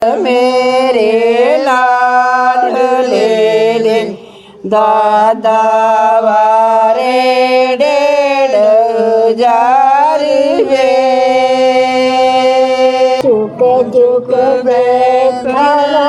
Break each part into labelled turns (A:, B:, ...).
A: मेरे लाडले दे दादा वारे 1.5 वे चुक चुक बैठा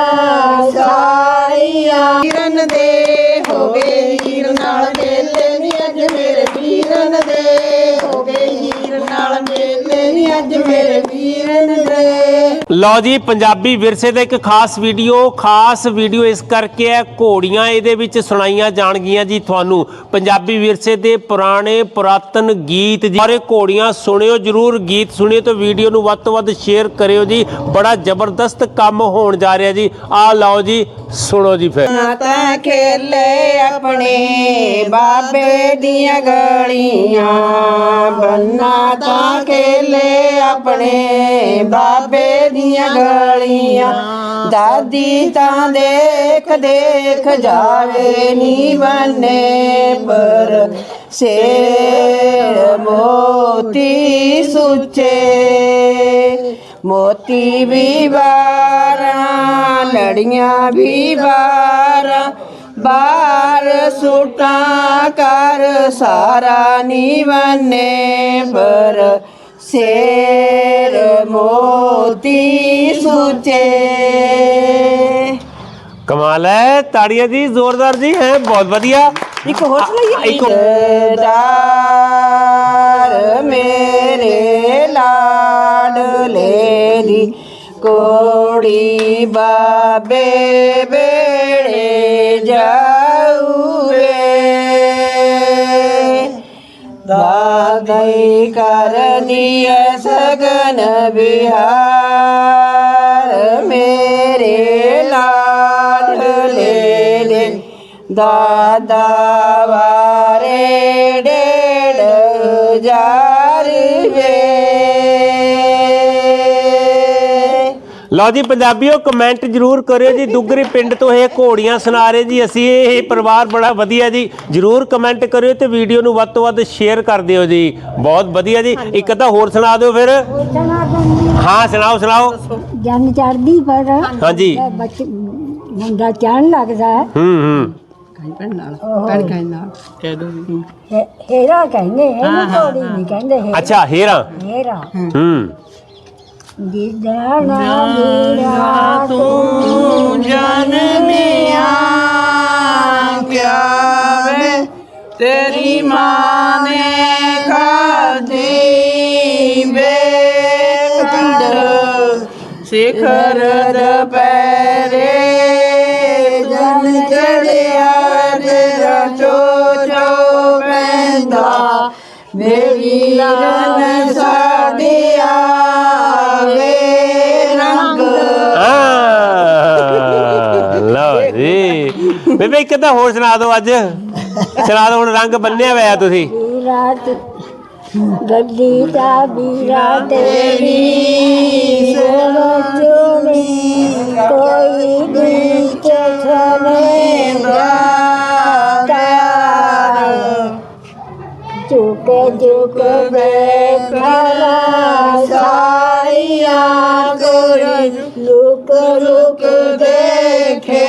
A: साइया हीरन दे हो गए हीर नाल मेले नी अज मेरे वीरन दे हो गए हीर नाल मेले नी अज मेरे वीरन दे।
B: ਲਓ ਜੀ ਪੰਜਾਬੀ ਵਿਰਸੇ ਦਾ ਇੱਕ ਖਾਸ ਵੀਡੀਓ ਇਸ ਕਰਕੇ ਹੈ ਘੋੜੀਆਂ ਇਹਦੇ ਵਿੱਚ ਸੁਣਾਈਆਂ ਜਾਣਗੀਆਂ ਜੀ ਤੁਹਾਨੂੰ ਪੰਜਾਬੀ ਵਿਰਸੇ ਦੇ ਪੁਰਾਤਨ ਗੀਤ ਜੀ। ਸਾਰੇ ਘੋੜੀਆਂ ਸੁਣਿਓ ਜਰੂਰ, ਗੀਤ ਸੁਣਿਓ ਤੇ ਵੀਡੀਓ ਨੂੰ ਵੱਧ ਤੋਂ ਵੱਧ ਸ਼ੇਅਰ ਕਰਿਓ ਜੀ। ਬੜਾ ਜ਼ਬਰਦਸਤ ਕੰਮ ਹੋਣ ਜਾ ਰਿਹਾ ਜੀ। ਆ ਲਓ ਜੀ ਸੁਣੋ ਜੀ। ਫਿਰ
A: ਤਾਂ ਖੇਲੇ ਆਪਣੇ ਬਾਬੇ ਦੀਆਂ ਗਲੀਆਂ ਬੰਨਾ ਤਾਂ ਖੇਲੇ ਆਪਣੇ ਬਾਬੇ ਦੀਆਂ ਗਲੀਆਂ ਦਾਦੀ ਤਾਂ ਦੇਖ ਦੇਖ ਜਾਵੇ ਨੀ ਬੰਨੇ ਪਰ ਸ਼ੇਰ ਮੋਤੀ ਸੁੱਚੇ मोती भी 12 लड़ियां भी 12 सूटा कर सारा नी बने पर शेर मोती सूचे।
B: कमाल है, ताड़ियां जी जोरदार जी हैं, बहुत बढ़िया।
A: एक होर सुनाइए। मेरे लाडले दी कोड़ी बाबे बेड़े जाऊवे दादाई कर दिए सगन बिहार मेरे लाडले दे दादा वारे 1.5 वे।
B: ਲਓ ਜੀ ਪੰਜਾਬੀਓ ਕਮੈਂਟ ਜਰੂਰ ਕਰਿਓ ਜੀ। ਦੁੱਗਰੀ ਪਿੰਡ ਤੋਂ ਇਹ ਘੋੜੀਆਂ ਸੁਣਾ ਰਹੇ ਜੀ ਅਸੀਂ। ਇਹ ਪਰਿਵਾਰ ਬੜਾ ਵਧੀਆ ਜੀ। ਜਰੂਰ ਕਮੈਂਟ ਕਰਿਓ ਤੇ ਵੀਡੀਓ ਨੂੰ ਵੱਧ ਤੋਂ ਵੱਧ ਸ਼ੇਅਰ ਕਰ ਦਿਓ ਜੀ। ਬਹੁਤ ਵਧੀਆ ਜੀ। ਇੱਕ ਤਾਂ ਹੋਰ ਸੁਣਾ ਦਿਓ ਫਿਰ। ਹਾਂ ਸੁਣਾਓ ਸੁਣਾਓ।
C: ਜਨ ਚੜਦੀ ਪਰ
B: ਹਾਂਜੀ
C: ਮੁੰਡਾ ਚੜਨ ਲੱਗਦਾ ਹੈ। ਹੀਰਾ ਕਹਿੰਦੇ ਇਹਨੂੰ ਘੋੜੀ ਨਹੀਂ ਕਹਿੰਦੇ।
B: ਅੱਛਾ ਹੀਰਾ
C: ਹੀਰਾ
A: जाना मेरा तू जन्मिया क्या वे तेरी माँ ने खाधी बेखंड शिखर दोपहरे जन चढ़िया तेरा चो पैंदा मेरी रन साड़िया
B: ਬੇਬੇ ਇੱਕ ਤਾਂ ਹੋਰ ਸੁਣਾ ਦਿਓ। ਅੱਜ ਸੁਣਾ ਦਿਓ ਹੁਣ। ਰੰਗ ਬੰਨਿਆ ਹੋਇਆ ਤੁਸੀਂ।
C: ਰਾਤ ਗੱਡੀ ਦਾ ਵੀਰਾ ਤੇਰੀ ਸੋਚਣੀ ਕੋਈ ਗੀਤ ਸੁਣੇ ਬਰਾਤਾ ਚੁੱਕ ਚੁੱਕ ਬੈਠਾ ਸਾਈਆ ਕੋਈ ਲੁਕ ਲੁਕ ਦੇਖੇ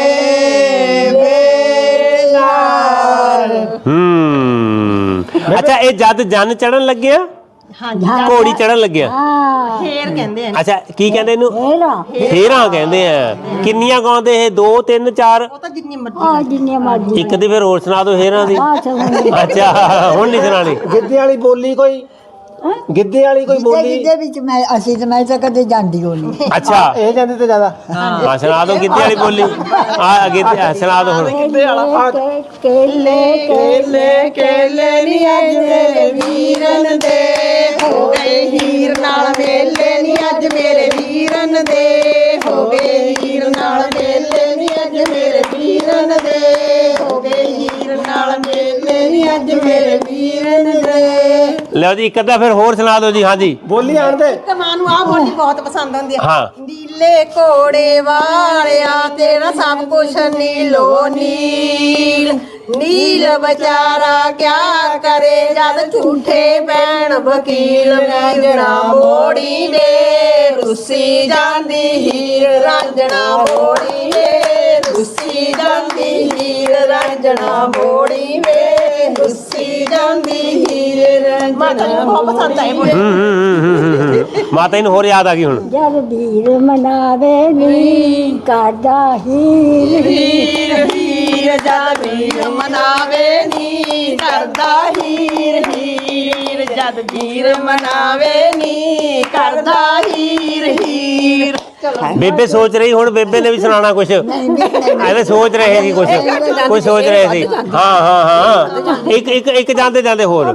B: ਅੱਛਾ ਇਹ ਜਦ ਜਨ ਚੜਨ ਲੱਗਿਆ ਘੋੜੀ ਚੜਨ ਲੱਗਿਆ
A: ਫੇਰ ਕਹਿੰਦੇ ਆ।
B: ਅੱਛਾ ਕੀ ਕਹਿੰਦੇ ਇਹਨੂੰ? ਫੇਰਾਂ ਕਹਿੰਦੇ ਆ। ਕਿੰਨੀਆਂ ਗਾਉਂਦੇ ਇਹ? 2 3 4?
A: ਉਹ ਤਾਂ ਜਿੰਨੀ ਮਰਜ਼ੀ।
B: ਇੱਕ ਦੀ ਫਿਰ ਹੋਰ ਸੁਣਾ ਦਿਓ ਫੇਰਾਂ ਦੀ। ਅੱਛਾ ਹੁਣ ਨਹੀਂ ਸੁਣਾਣੀ।
D: ਗਿੱਧੇ ਵਾਲੀ ਬੋਲੀ ਕੋਈ? ਗਿੱਧੇ ਵਾਲੀ ਕੋਈ ਬੋਲੀ?
C: ਗਿੱਧੇ ਵਿੱਚ ਅਸੀਂ ਤਾਂ ਮੈਂ ਤਾਂ ਕਦੇ ਜਾਂਦੀ ਹੋਣੀ।
B: ਅੱਛਾ
D: ਇਹ ਜਾਂਦੇ ਤੇ ਜ਼ਿਆਦਾ।
B: ਹਾਂ ਸੁਣਾ ਦਿਓ ਗਿੱਧੇ ਵਾਲੀ ਬੋਲੀ। ਆ ਅੱਗੇ ਸੁਣਾ ਦਿਓ ਹੁਣ।
A: केले केले केले नी अज मेरे वीरन दे हो गए हीर नाल मेले नी अज मेरे वीरन दे हो गए हीर नाल मेले नी अज मेरे वीरन दे हो गए हीर नाल मेले नी अज मेरे वीरन दे।
B: ਲਓ ਜੀ ਇੱਕ ਅੱਧਾ ਫਿਰ ਹੋਰ ਸੁਣਾ ਦਿਓ ਜੀ। ਹਾਂਜੀ
D: ਬੋਲੀ ਆਣ ਦੇ।
A: ਮਾਂ ਨੂੰ ਆ ਬੋਲੀ ਬਹੁਤ ਪਸੰਦ ਆਉਂਦੀ ਆ।
B: ਹਾਂ
A: ਨੀਲੇ ਘੋੜੇ ਵਾਲਿਆ ਤੇਰਾ ਸਭ ਕੁਛ ਨੀਲੋ ਨੀਲ ਨੀਲ ਵਿਚਾਰਾ ਕਿਆ ਕਰੇ ਜਦ ਝੂਠੇ ਪੈਣ ਵਕੀਲ ਰਾਂਝਣਾ ਮੋੜੀ ਨੇ ਰੁੱਸੀ ਜਾਂਦੀ ਹੀਰ ਰਾਂਝਣਾ ਮੋੜੀ ਨੇ ਰੁੱਸੀ ਜਾਂਦੀ ਹੀਰ ਰਾਂਝਣਾ ਮੋੜੀ ਵੇ ਰੁੱਸੀ ਜਾਂਦੀ ਹੀਰ ਰਾਂਝਣਾ ਬਹੁਤ ਪਸੰਦ ਆਏ
B: ਮਾਤਾ ਜੀ ਨੂੰ ਹੋਰ ਯਾਦ ਆ ਗਈ ਹੁਣ।
C: ਜਦ ਵੀਰ ਮਨਾਵੇ ਨੀ ਕਰਦਾ ਹੀਰ
A: ਹੀਰ ਹੀਰ ਜਦ ਵੀਰ ਮਨਾਵੇ ਨੀ ਕਰਦਾ ਹੀਰ ਹੀਰ ਜਦ ਵੀਰ ਮਨਾਵੇ ਨੀ ਕਰਦਾ ਹੀਰ ਹੀਰ
B: ਬੇਬੇ ਸੋਚ ਰਹੀ ਹੁਣ ਬੇਬੇ ਨੇ ਵੀ ਸੁਣਾਉਣਾ ਕੁਛ ਐਵੇਂ ਸੋਚ ਰਹੇ ਸੀ ਕੁਛ ਸੋਚ ਰਹੇ ਸੀ। ਹਾਂ ਹਾਂ ਹਾਂ ਇੱਕ ਜਾਂਦੇ ਜਾਂਦੇ ਹੋਰ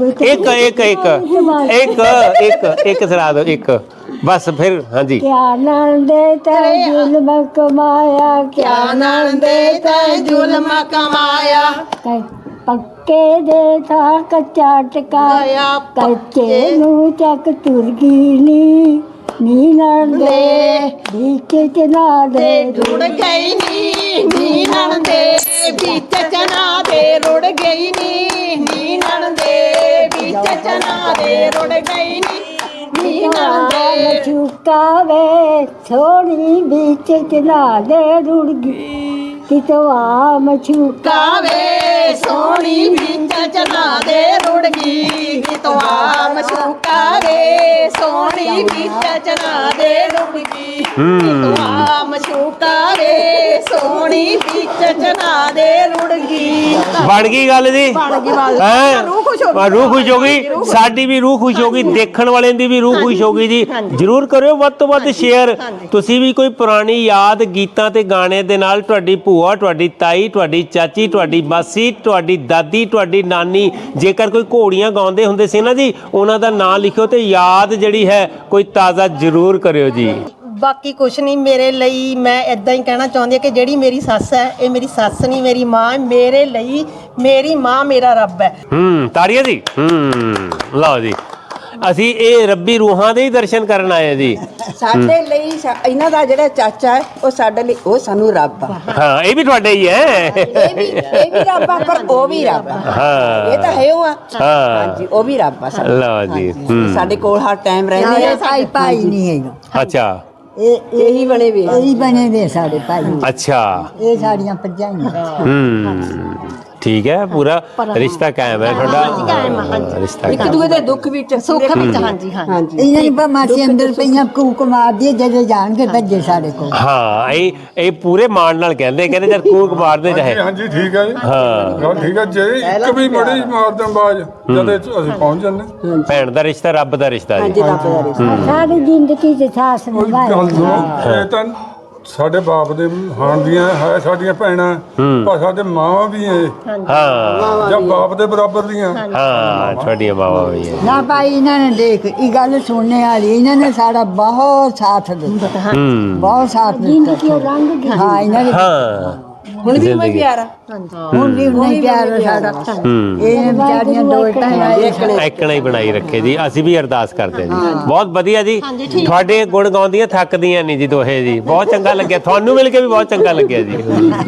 B: ਇੱਕ ਸੁਣਾ ਦਿਓ ਇੱਕ ਬਸ ਫਿਰ। ਹਾਂਜੀ
C: ਕਿਆ ਨੰਦੇ ਤੈ ਜ਼ੁਲਮ ਕਮਾਇਆ
A: ਕਿਆ ਨੰਦੇ ਤੈ ਜ਼ੁਲਮ ਕਮਾਇਆ
C: ਪੱਕੇ ਦੇ ਥਾਂ ਕੱਚਾ ਟਕਾਇਆ ਕੱਚੇ ਨੂੰ ਚੱਕ ਤੁਰ ਗਈ ਨੀ ਨੰਦੇ ਵਿੱਚ ਚਨਾ ਦੇ
A: ਰੁੜ ਗਈ ਨੀ ਨੰਦੇ ਵਿੱਚ ਚਨਾ ਦੇ ਰੁੜ ਗਈ ਨੀ ਨੰਦੇ ਵਿੱਚ ਚਨਾ ਦੇ ਰੁੜ ਗਈ ਨੀ ਨੰਦੇ
C: ਚੁਕਾਵੇ ਥੋੜੀ ਵਿੱਚ ਚਨਾ ਦੇ ਰੁੜ ਗਈ ਕਿਤਵਾ ਮਛੂਕਾ
A: ਕਾਵੇ ਸੋਹਣੀ ਵਿੱਚ ਚਨਾ ਦੇ ਰੁੜ ਗਈ ਕਿਤਵਾ ਮਸ਼ੂਕਾ ਵੇ ਸੋਹਣੀ ਵਿੱਚ ਚਨਾ ਦੇ ਰੁੜ ਗਈ ਕਿਤਵਾ ਮਸ਼ੂਕਾ ਵੇ ਸੋਹਣੀ ਵਿੱਚ ਚਨਾ ਦੇ ਰੁੜ ਗਈ
B: ਬਣ ਗਈ ਗੱਲ ਜੀ। ਹੈਂ? ਰੂਹ ਖੁਸ਼ ਹੋ ਗਈ ਸਾਡੀ ਵੀ ਰੂਹ ਖੁਸ਼ ਹੋ ਗਈ ਦੇਖਣ ਵਾਲਿਆਂ ਦੀ ਵੀ ਰੂਹ ਖੁਸ਼ ਹੋ ਗਈ ਜੀ। ਜਰੂਰ ਕਰਿਓ ਵੱਧ ਤੋਂ ਵੱਧ ਸ਼ੇਅਰ। ਤੁਸੀਂ ਵੀ ਕੋਈ ਪੁਰਾਣੀ ਯਾਦ ਗੀਤਾਂ ਤੇ ਗਾਣੇ ਦੇ ਨਾਲ ਤੁਹਾਡੀ ਭੂਆ ਤੁਹਾਡੀ ਤਾਈ ਤੁਹਾਡੀ ਚਾਚੀ ਤੁਹਾਡੀ ਮਾਸੀ ਤੁਹਾਡੀ ਦਾਦੀ ਤੁਹਾਡੀ ਨਾਨੀ ਜੇਕਰ ਕੋਈ ਘੋੜੀਆਂ ਗਾਉਂਦੇ ਹੁੰਦੇ ਸੀ ਨਾ ਜੀ ਉਹਨਾਂ ਦਾ ਨਾਂ ਲਿਖਿਓ ਤੇ ਯਾਦ ਜਿਹੜੀ ਹੈ ਕੋਈ ਤਾਜ਼ਾ ਜ਼ਰੂਰ ਕਰਿਓ ਜੀ।
A: ਬਾਕੀ ਕੁਛ ਨਹੀਂ ਮੇਰੇ ਲਈ ਮੈਂ ਇਦਾਂ ਹੀ ਕਹਿਣਾ ਚਾਹੁੰਦੀ ਹਾਂ ਕਿ ਜਿਹੜੀ ਮੇਰੀ ਸੱਸ ਹੈ ਇਹ ਮੇਰੀ ਸੱਸ ਨਹੀਂ ਮੇਰੀ ਮਾਂ ਮੇਰੇ ਲਈ ਮੇਰੀ ਮਾਂ ਮੇਰਾ ਰੱਬ ਹੈ।
B: ਤਾੜੀਆਂ ਜੀ। ਲਓ ਜੀ ਅਸੀਂ ਇਹ ਰੱਬੀ ਰੂਹਾਂ ਦੇ ਹੀ ਦਰਸ਼ਨ ਕਰਨ ਆਏ ਜੀ।
E: ਸਾਡੇ ਲਈ ਇਹਨਾਂ ਦਾ ਜਿਹੜਾ ਚਾਚਾ ਹੈ ਉਹ ਸਾਡੇ ਲਈ ਉਹ ਸਾਨੂੰ ਰੱਬ ਆ।
B: ਹਾਂ ਇਹ ਵੀ ਤੁਹਾਡੇ ਹੀ ਹੈ।
E: ਇਹ ਵੀ ਰੱਬ ਆ ਪਰ ਉਹ ਵੀ ਰੱਬ ਆ।
B: ਹਾਂ
E: ਇਹ ਤਾਂ ਹੈ ਉਹ ਆ।
B: ਹਾਂ
E: ਹਾਂਜੀ ਉਹ ਵੀ ਰੱਬ ਆ ਸਾਡਾ।
B: ਲਓ ਜੀ।
E: ਸਾਡੇ ਕੋਲ ਹਰ ਟਾਈਮ ਰਹਿੰਦੇ ਆ।
C: ਭਾਈ ਨਹੀਂ ਹੈਗਾ
B: ਅੱਛਾ
E: ਇਹੀ ਬਣੇ ਵੇ
C: ਇਹੀ ਬਣੇ ਵੇ ਸਾਡੇ ਭਾਈ
B: ਅੱਛਾ
C: ਇਹ ਸਾਡੀਆਂ ਭਰਜਾਈਆਂ
B: ਠੀਕ ਹੈ ਪੂਰਾ ਰਿਸ਼ਤਾ ਕਾਇਮ ਹੈ ਤੁਹਾਡਾ ਰਿਸ਼ਤਾ
E: ਇੱਕ ਦੂਏ ਦੇ ਦੁੱਖ ਵਿੱਚ ਸੁੱਖ ਵਿੱਚ ਹਾਂਜੀ ਹਾਂਜੀ
C: ਇਹਨਾਂ ਦੀ ਮਾਸੀ ਅੰਦਰ ਪਈਆਂ ਕੂਕ ਮਾਰਦੀ ਜਦੋਂ ਜਾਣਗੇ ਭੱਜੇ ਸਾਡੇ ਕੋਲ।
B: ਹਾਂ ਇਹ ਪੂਰੇ ਮਾਣ ਨਾਲ ਕਹਿੰਦੇ ਜਦ ਕੂਕ ਮਾਰਦੇ ਚਾਹੇ।
F: ਹਾਂਜੀ ਠੀਕ ਹੈ ਜੀ।
B: ਹਾਂ
F: ਗੱਲ ਠੀਕ ਹੈ ਜੇ ਇੱਕ ਵੀ ਮੜੀ ਮਾਰਦੇ ਬਾਜ ਜਦ ਅਸੀਂ ਪਹੁੰਚ ਜੰਨੇ
B: ਭੈਣ ਦਾ ਰਿਸ਼ਤਾ ਰੱਬ ਦਾ ਰਿਸ਼ਤਾ ਜੀ।
E: ਰੱਬ ਦਾ ਰਿਸ਼ਤਾ
C: ਸਾਡੀ ਜ਼ਿੰਦਗੀ ਚ ਸਾਸ
F: ਕੋਈ
C: ਨਿਭਾਇਆ
F: ਗੱਲ ਸੁਣੋ ਇਹ ਤਾਂ ਸਾਡੇ ਬਾਪ ਦੇ ਹਾਣ ਦੀਆਂ ਹੈ ਸਾਡੀਆਂ ਭੈਣਾਂ ਪਰ ਸਾਡੇ ਮਾਵਾਂ ਵੀ ਐ
B: ਹਾਂ
F: ਜਾਂ ਬਾਪ ਦੇ ਬਰਾਬਰ ਦੀਆਂ।
B: ਹਾਂ ਤੁਹਾਡੀਆਂ ਮਾਵਾਂ ਵੀ ਹੈ।
C: ਨਾ ਭਾਈ ਇਹਨਾਂ ਨੇ ਦੇਖ ਇਹ ਗੱਲ ਸੁਣਨੇ ਵਾਲੀ ਇਹਨਾਂ ਨੇ ਸਾਡਾ ਬਹੁਤ ਸਾਥ ਦਿੱਤਾ ਬਹੁਤ ਸਾਥ ਦਿੱਤਾ। ਹਾਂ ਇਹਨਾਂ ਨੇ
B: ਹਾਂ
E: ਹੁਣ ਵੀ ਮੈਂ ਪਿਆਰਾ
C: ਹੁਣ ਵੀ ਨਹੀਂ ਪਿਆਰ ਸਾਡਾ ਇਹ ਵਿਚਾਰੀਆਂ ਦੋ ਭੈਣਾਂ
B: ਐਕਣਾ ਹੀ ਬਣਾਈ ਰੱਖੇ ਜੀ। ਅਸੀਂ ਵੀ ਅਰਦਾਸ ਕਰਦੇ ਜੀ। ਬਹੁਤ ਵਧੀਆ ਜੀ ਤੁਹਾਡੇ ਗੁਣ ਗਾਉਂਦੀਆਂ ਥੱਕਦੀਆਂ ਨਹੀਂ ਜੀ ਦੋਹੇ ਜੀ। ਬਹੁਤ ਚੰਗਾ ਲੱਗਿਆ ਤੁਹਾਨੂੰ ਮਿਲ ਕੇ ਵੀ ਬਹੁਤ ਚੰਗਾ ਲੱਗਿਆ ਜੀ।